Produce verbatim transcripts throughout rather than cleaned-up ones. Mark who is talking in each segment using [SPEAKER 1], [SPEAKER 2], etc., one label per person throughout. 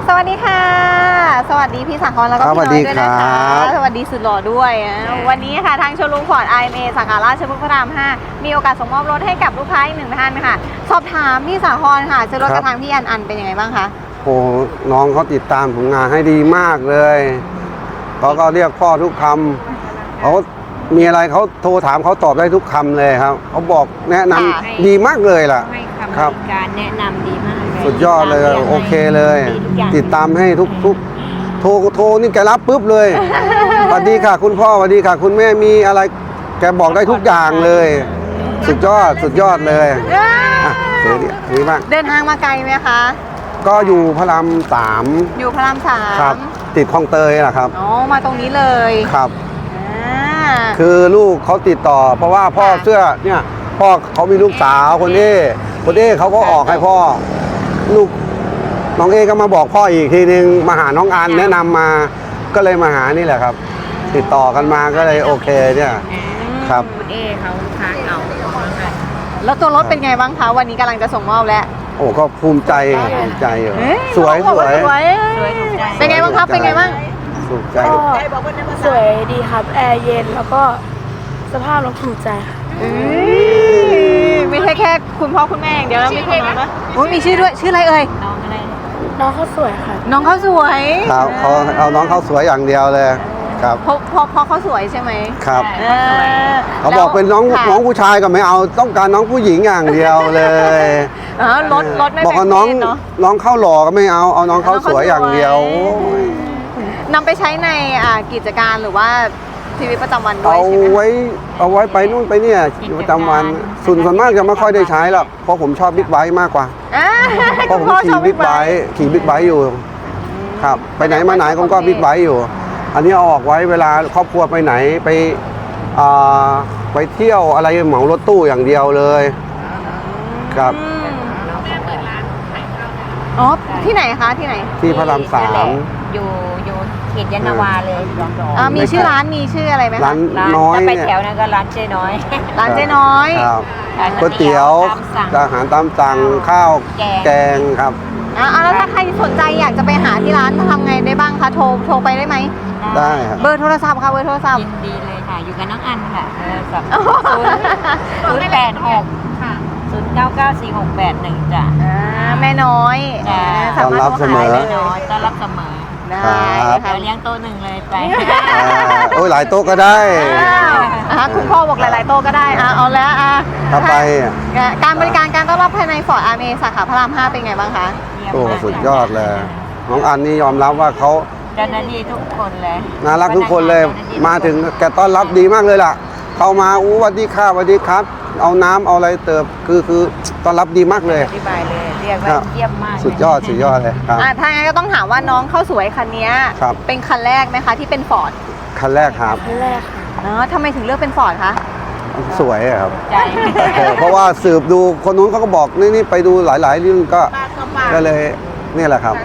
[SPEAKER 1] สวัสดีค่ะสวัสดีพี่สังคอนแล้วก็พี่น้อยด้วยนะคะสวัสดีสุดหล่อด้วยวันนี้ค่ะทางโชว์รูมฟอร์ด ไอ เอ็ม เอ สาขาราชพฤกษ์พระรามห้ามีโอกาสส่งมอบรถให้กับลูกค้าอีกหนึ่งท่านค่ะสอบถามพี่สังคอนค่ะซื้อรถกระทางพี่อันอันเป็นยังไงบ้างคะ
[SPEAKER 2] โอ้น้องเขาติดตามผลงานให้ดีมากเลยเขาก็เรียกพ่อทุกคำเขามีอะไรเขาโทรถามเขาตอบได้ทุกคำเลยครับเขาบอกแนะนำดีมากเลยล่ะ
[SPEAKER 3] ให้คำบริการแนะนำดีมาก
[SPEAKER 2] สุดยอดเลยโอเคเลยติดตามให้ทุกทุกโทรโทรนี่แกรับปุ๊บเลยสวัสดีค่ะคุณพ่อสวัสดีค่ะคุณแม่มีอะไรแกบอกได้ทุกอย่างเลยสุดยอดสุดยอดเลยอ่ะเดี๋ยวนี้บ้าง
[SPEAKER 1] เดินทางมาไกลไหมคะ
[SPEAKER 2] ก็อยู่พระรามสาม
[SPEAKER 1] อยู่พระรามสาม
[SPEAKER 2] ครับติดคลองเตยแหละครับ
[SPEAKER 1] อ๋อมาตรงนี้เลย
[SPEAKER 2] ครับคือลูกเขาติดต่อเพราะว่าพ่อเสื้อเนี่ยพ่อเขามีลูกสาวคนนี้คนนี้เขาก็ออกให้พ่อลูกน้องเอก็มาบอกพ่ออีกทีนึงมาหาน้องอันแนะนำมาก็เลยมาหานี่แหละครับติดต่อกันมาก็เลยโอเคเนี่ยครับ
[SPEAKER 3] คุณเอเขาลูกค้าเก่า
[SPEAKER 1] แล้วตัวรถเป็นไงบ้างคะวันนี้กำลังจะส่งมอบแล้ว
[SPEAKER 2] โอ้ก็ภูมิใจภูมิใจอยู่สวยสวย
[SPEAKER 1] สวยเป็นไงบ้างครับเป็นไงบ้าง
[SPEAKER 2] ภูมิใจ
[SPEAKER 4] สวยดีครับแอร์เย็นแล้วก็สภาพรถถูกใจค่ะ
[SPEAKER 1] ไม่ใช่แค่คุณพ่อคุณแม่อย่างเดียวแล้วมีคนนะโอ้มีชื่อด้วยชื่ออะไรเอ่ย
[SPEAKER 3] น้องอะไร
[SPEAKER 4] น้องเขาสวยค่ะ
[SPEAKER 1] น้องเขาสวย
[SPEAKER 2] ครับเขาเอาน้องเขาสวยอย่างเดียวเลยครับ
[SPEAKER 1] เพราะเพราะเพราะเขาสวยใช่ไหม
[SPEAKER 2] ครับเขาบอกเป็นน้องน้องผู้ชายก็ไม่เอาต้องการน้องผู้หญิงอย่างเดียวเลย
[SPEAKER 1] รถรถไม่
[SPEAKER 2] บอกว่าน้องน้องเข้าหล่อก็ไม่เอาเอาน้องเข้าสวยอย่างเดียวน
[SPEAKER 1] ำไปใช้ในกิจการหรือว่าชีวิตประจำวันด้วย
[SPEAKER 2] ใช่ไหมเอาไว้เอาไว้ไปนู่นไปเนี่ยชีวิตประจำวันส่วนส่วนมากจะไม่ค่อยได้ใช้หรอกเพราะผมชอบบิ๊กไบค์มากกว่าเพราะผมขี่บิ๊กไบค์ขี่บิ๊กไบค์อยู่ครับไปไหนมาไหนผมก็บิ๊กไบค์อยู่อันนี้เอาออกไว้เวลาครอบครัวไปไหนไปไปเที่ยวอะไรเหมารถตู้อย่างเดียวเลยครับ
[SPEAKER 1] อ๋อที่ไหนคะที่ไหน
[SPEAKER 2] ที่พระรามสาม
[SPEAKER 3] อยู่อยู่เขตยานนาวาเลย
[SPEAKER 1] มีชื่อร้านมีชื่ออะไรไหมคะ
[SPEAKER 2] ร้านน้อย
[SPEAKER 3] ไปแถวนั้นก็ร้านเจ๊น้อย
[SPEAKER 1] ร้านเจ๊น้อย
[SPEAKER 2] ก๋วยเตี๋ยวอาหารตามสั่งข้าวแกงครับ
[SPEAKER 1] อ่าแล้วถ้าใครสนใจอยากจะไปหาที่ร้านทำไงได้บ้างคะโทรโทรไปได้ไหม
[SPEAKER 2] ได้ครับ
[SPEAKER 1] เบอร์โทรศัพท์ค่ะเบอร์โทรศัพท์
[SPEAKER 3] ยินดีเลยค่ะอยู่กับน้องอันค่ะเบอร์ศัพท์ศูนย์แปดหกค่ะศูนย์เก้าเก้าสี่หกแปดหนึ่งจ้ะ
[SPEAKER 1] แม่น้อย
[SPEAKER 2] ต้อนรับเสมอ
[SPEAKER 3] แม่น้อยต้อนรับเสมอ
[SPEAKER 1] ได้
[SPEAKER 3] ค่ะเลี้ยงโต๊ะหนึ่งเลยไป
[SPEAKER 2] โอ้ยหลายโต๊ะก็ได้
[SPEAKER 1] คุณพ่อบอกหลายๆโต๊ะก็ได้เอาแล้ว
[SPEAKER 2] ถ้าไป
[SPEAKER 1] การบริการการต้อนรับภายในฟอร์ด ไอ เอ็ม เอ สาขาพระรามห้าเป็นไงบ้างคะ
[SPEAKER 2] โอ้สุดยอดเลยน้องอันนี่ยอมรับว่าเขา
[SPEAKER 3] เจ้าหน้าที่ทุกคนเลย
[SPEAKER 2] น่ารักทุกคนเลยมาถึงแกต้อนรับดีมากเลยล่ะเข้ามาอู้สวัสดีค่ะสวัสดีครับเอาน้ำเอาอะไรเติมคือคือต้อนรับดีมากเลย
[SPEAKER 3] อธิบายเลยเรียกว่าเยี่ยมมาก
[SPEAKER 2] สุดยอดสุดยอดเลยครับ
[SPEAKER 1] ถ้างั้นก็ต้องถามว่าน้องเข้าสวยคันนี้เป็นคันแรกไหมคะที่เป็นฟอร์ด
[SPEAKER 2] คันแรกครับ
[SPEAKER 4] คันแรกค่ะ
[SPEAKER 1] อ๋อทำไมถึงเลือกเป็นฟอร์ดคะ
[SPEAKER 2] สวยครับเพราะว่าสืบดูคนนู้นเขาก็บอกนี่นี่ไปดูหลายๆเรื่องก็ก็เลยนี่แหละครับ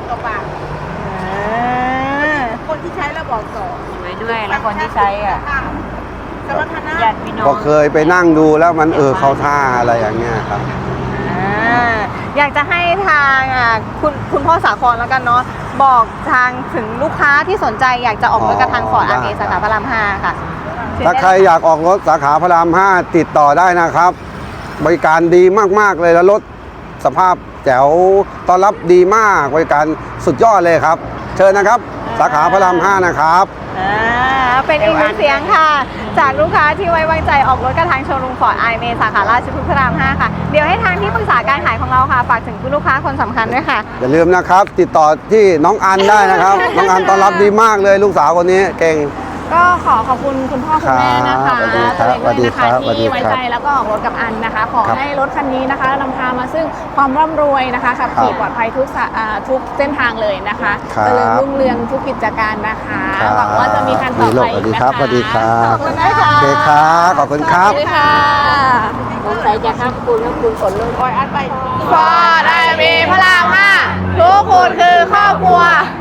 [SPEAKER 4] คนที่ใช้แล้วบอกต่อ
[SPEAKER 3] สวยด้วยแล้วคนที่ใช้อ่ะญาติพี่น้อง
[SPEAKER 2] พอเคยไปนั่งดูแล้วมันเออเข้าท่าอะไรอย่างเงี้ยครับ
[SPEAKER 1] อยากจะให้ทางคุณคุณพ่อสาครแล้วกันเนาะบอกทางถึงลูกค้าที่สนใจอยากจะออกรถกระทางฟอร์ด ไอ เอ็ม เอ สาขาพระรามห้าค่ะ
[SPEAKER 2] ถ้าใครอยากออกรถสาขาพระรามห้าติดต่อได้นะครับบริการดีมากๆเลยแล้วรถสภาพแจ๋วต้อนรับดีมากบริการสุดยอดเลยครับเชิญนะครับสาขาพระรามห้านะครับ
[SPEAKER 1] เป็นอีกหนึ่งเสียงค่ะจากลูกค้าที่ไว้วางใจออกรถกระทางโชว์รูมฟอร์ด ไอ เอ็ม เอ สาขาราชพฤกษ์พระรามห้าค่ะเดี๋ยวให้ทางที่ปรึกษาการขายของเราค่ะฝากถึงลูกค้าคนสำคัญด้วยค่ะ
[SPEAKER 2] อย่าลืมนะครับติดต่อที่น้องอันได้นะครับน้องอันต้อนรับดีมากเลยลูกสาวคนนี้เก่ง
[SPEAKER 4] ก็ขอขอบคุณคุณพ่อคุณแม่นะคะตัวเองด้วยนะคะที่ไว้ใจแล้วก็ออกรถกับอันนะคะขอให้รถคันนี้นะคะนำพามาซึ่งความร่ำรวยนะคะขับขี่ปลอดภัยทุกทุกเส้นทางเลยนะคะเจริญรุ่งเรืองทุกกิจการนะคะหวังว่าจะมีการต่อไปอีกนะคะ
[SPEAKER 2] สวัสดีครับ
[SPEAKER 1] ขอบคุณนะคะ
[SPEAKER 2] โอเคครับขอบคุณครับ
[SPEAKER 4] สวัสดีค่ะสงสัยจะครับคุณแล้วคุณฝนลงคอยอัดไป
[SPEAKER 1] ฟอร์ด ไอ เอ็ม เอ พระรามห้าทุกคนคือครอบครัว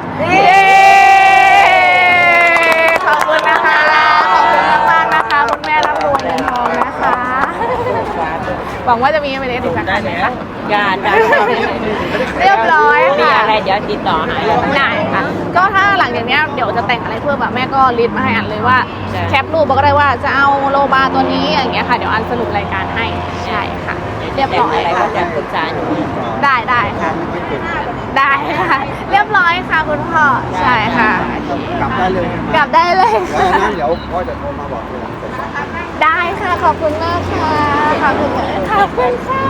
[SPEAKER 1] ขอบคุณนะคะขอบคุณมากๆนะคะคุณแม่ร่ำรวยเงินทองนะคะ
[SPEAKER 4] วังว่าจะมีไปเลยถึงสักครั้งนะคะ
[SPEAKER 3] จ้าจ้า
[SPEAKER 4] เรียบร้อย
[SPEAKER 3] มี
[SPEAKER 4] ค่ะ
[SPEAKER 3] อะไรเดี๋ยวติดต่อหา
[SPEAKER 4] ได้ค่ะ ก็ถ้าหลังจากเนี้ยเดี๋ยวจะแต่งอะไรเพิ่มอะแม่ก็ลิสต์มาให้อันเลยว่า
[SPEAKER 3] ใช่
[SPEAKER 4] แคปรูปก็ได้ว่าจะเอาโลบาตัวนี้อย่างเงี้ยค่ะเดี๋ยวอันสรุปรายการให้ใช่ค่ะ เรียบร้อย
[SPEAKER 3] อะไรก็
[SPEAKER 4] ค่ะ
[SPEAKER 3] จะปรึกษาหนู
[SPEAKER 4] ได้ได้ค่ะ ได้ค่ะ เรียบร้อยค่ะคุณพ่อใช่ค่ะ
[SPEAKER 2] กลับได้เลย
[SPEAKER 4] กลับได้เลย
[SPEAKER 2] แล้ว
[SPEAKER 4] ค่ะ
[SPEAKER 2] นั้นเดี๋ยวพ่อจะโทรมาบอกทีหลังเสร็จแล้ว
[SPEAKER 4] ได้ค่ะขอบคุณมากค่ะขอบคุณขอบคุณค่ะ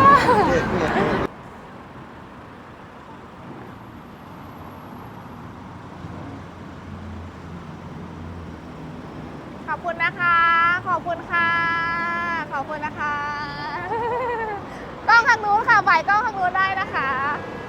[SPEAKER 4] ขอบคุณนะคะ ขอบคุณค่ะ ขอบคุณนะคะ กล้องทางนู้นค่ะฝ่ายกล้องทางนู้นได้นะคะ